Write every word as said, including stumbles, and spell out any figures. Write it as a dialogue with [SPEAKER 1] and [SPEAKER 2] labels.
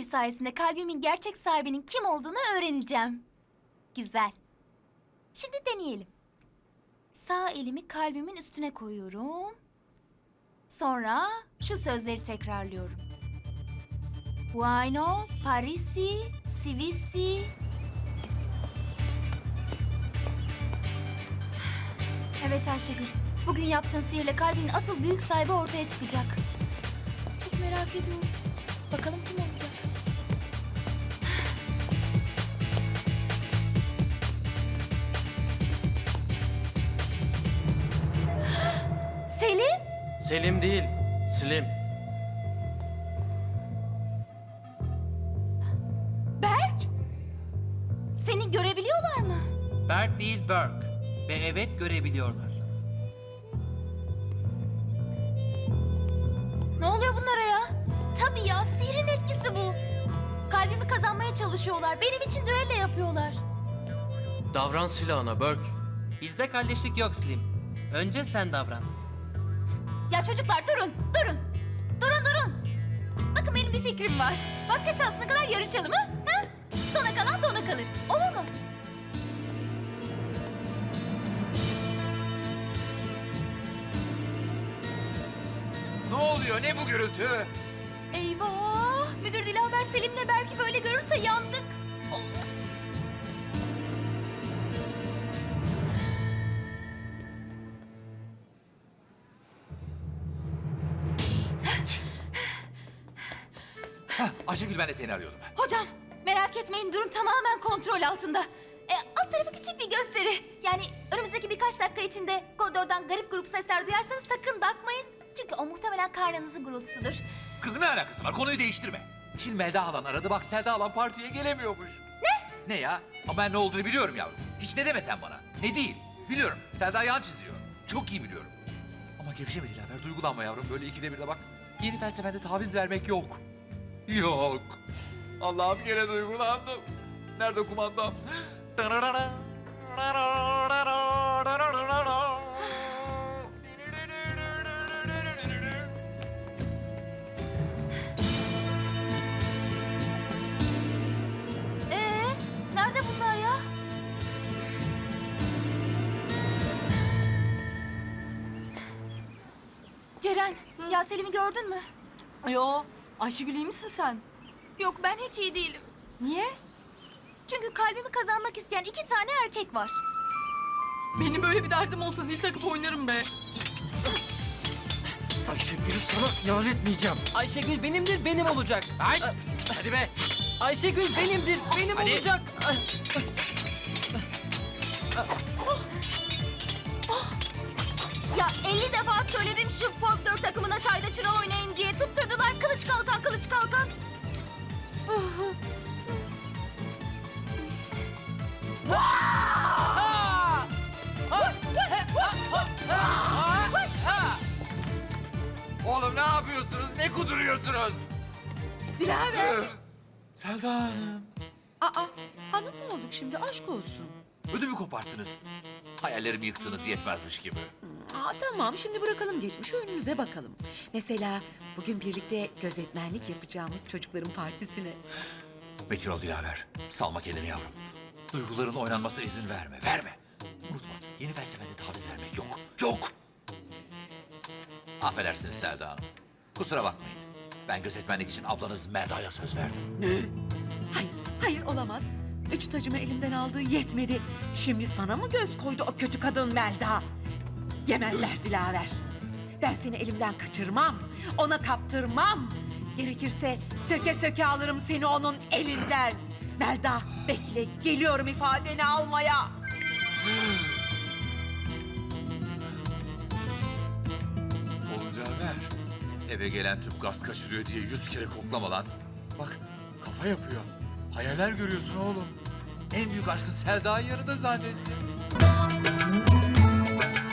[SPEAKER 1] sayesinde kalbimin gerçek sahibinin kim olduğunu öğreneceğim. Güzel. Şimdi deneyelim. Sağ elimi kalbimin üstüne koyuyorum. Sonra şu sözleri tekrarlıyorum. Bueno, Parisi, Sivisi. Evet Ayşegül, bugün yaptığın sihirle kalbinin asıl büyük sahibi ortaya çıkacak. Çok merak ediyorum. Bakalım kim olacak? Selim?
[SPEAKER 2] Selim değil, Slim.
[SPEAKER 1] Berk? Seni görebiliyorlar mı?
[SPEAKER 3] Berk değil Berk. Ve evet görebiliyorlar.
[SPEAKER 1] Ne oluyor bunlara ya? Tabii ya, sihrin etkisi bu. Kalbimi kazanmaya çalışıyorlar. Benim için düello yapıyorlar.
[SPEAKER 2] Davran silahına Berk.
[SPEAKER 3] Bizde kardeşlik yok Slim. Önce sen davran.
[SPEAKER 1] Ya çocuklar durun, durun. Durun, durun. Bakın benim bir fikrim var. Basket sahasına kadar yarışalım ha? ha? Sona kalan dona kalır. Olur mu?
[SPEAKER 4] Ne oluyor? Ne bu gürültü?
[SPEAKER 1] Eyvah! Müdür Dilaver Selim'le belki böyle görürse yandık. Of!
[SPEAKER 4] Hah, Ayşegül, ben de seni arıyordum.
[SPEAKER 1] Hocam merak etmeyin, durum tamamen kontrol altında. E, alt tarafı küçük bir gösteri. Yani önümüzdeki birkaç dakika içinde koridordan garip grup sesler duyarsanız sakın bakmayın. Çünkü o muhtemelen karnınızın gurultusudur.
[SPEAKER 4] Kızım, ne alakası var? Konuyu değiştirme. Şimdi Melda halan aradı. Bak, Selda halan partiye gelemiyormuş. Ne? Ne ya? Ama ben ne olduğunu biliyorum yavrum. Hiç ne deme sen bana. Ne değil? Biliyorum. Selda yan çiziyor. Çok iyi biliyorum. Ama gevşeme Dilaver. Duygulanma yavrum. Böyle ikide bir de bak. Yeni felsefende taviz vermek yok. Yok. Allah'ım, gene duygulandım. Nerede kumandam?
[SPEAKER 1] Ee, nerede bunlar ya? Ceren, ya Selim'i gördün mü?
[SPEAKER 5] Yo, Ayşegül iyi misin sen?
[SPEAKER 1] Yok, ben hiç iyi değilim.
[SPEAKER 5] Niye?
[SPEAKER 1] Çünkü kalbimi kazanmak isteyen iki tane erkek var.
[SPEAKER 5] Benim böyle bir derdim olsa zil takıp oynarım be.
[SPEAKER 2] Ayşegül'ü sana yar etmeyeceğim.
[SPEAKER 3] Ayşegül benimdir, benim olacak.
[SPEAKER 2] Ay, hadi be.
[SPEAKER 3] Ayşegül benimdir, benim
[SPEAKER 2] Hadi.
[SPEAKER 3] olacak.
[SPEAKER 1] Ya elli defa söyledim şu folklor takımına çayda çıra oynayın diye. Tutturdular kılıç kalkan, kılıç kalkan.
[SPEAKER 4] Oğlum, ne yapıyorsunuz? Ne kuduruyorsunuz?
[SPEAKER 5] Dilaver.
[SPEAKER 4] Selda Hanım.
[SPEAKER 6] Aa, hanım mı olduk şimdi? Aşk olsun.
[SPEAKER 4] Ödümü koparttınız. Hayallerimi yıktığınız yetmezmiş gibi.
[SPEAKER 6] Aa, tamam, şimdi bırakalım geçmişi, önümüze bakalım. Mesela bugün birlikte gözetmenlik yapacağımız çocukların partisine.
[SPEAKER 4] Metin ol Dilaver. Salma kendini yavrum. Duyguların oynanmasına izin verme. Verme. Unutma, yeni felsefende taviz vermek yok. Yok. Affedersiniz Selda Hanım. Kusura bakmayın. Ben gözetmenlik için ablanız Melda'ya söz verdim.
[SPEAKER 6] Hayır, hayır olamaz. Üç tacımı elimden aldığı yetmedi. Şimdi sana mı göz koydu o kötü kadın Melda? Yemezler Dilaver. Ben seni elimden kaçırmam. Ona kaptırmam. Gerekirse söke söke alırım seni onun elinden. Melda, bekle, geliyorum ifadeni almaya.
[SPEAKER 4] Oğlum Dilaver, eve gelen tüp gaz kaçırıyor diye yüz kere koklama lan. Bak, kafa yapıyor. Hayaller görüyorsun oğlum. En büyük aşkın Selda'yı yanında zannettim.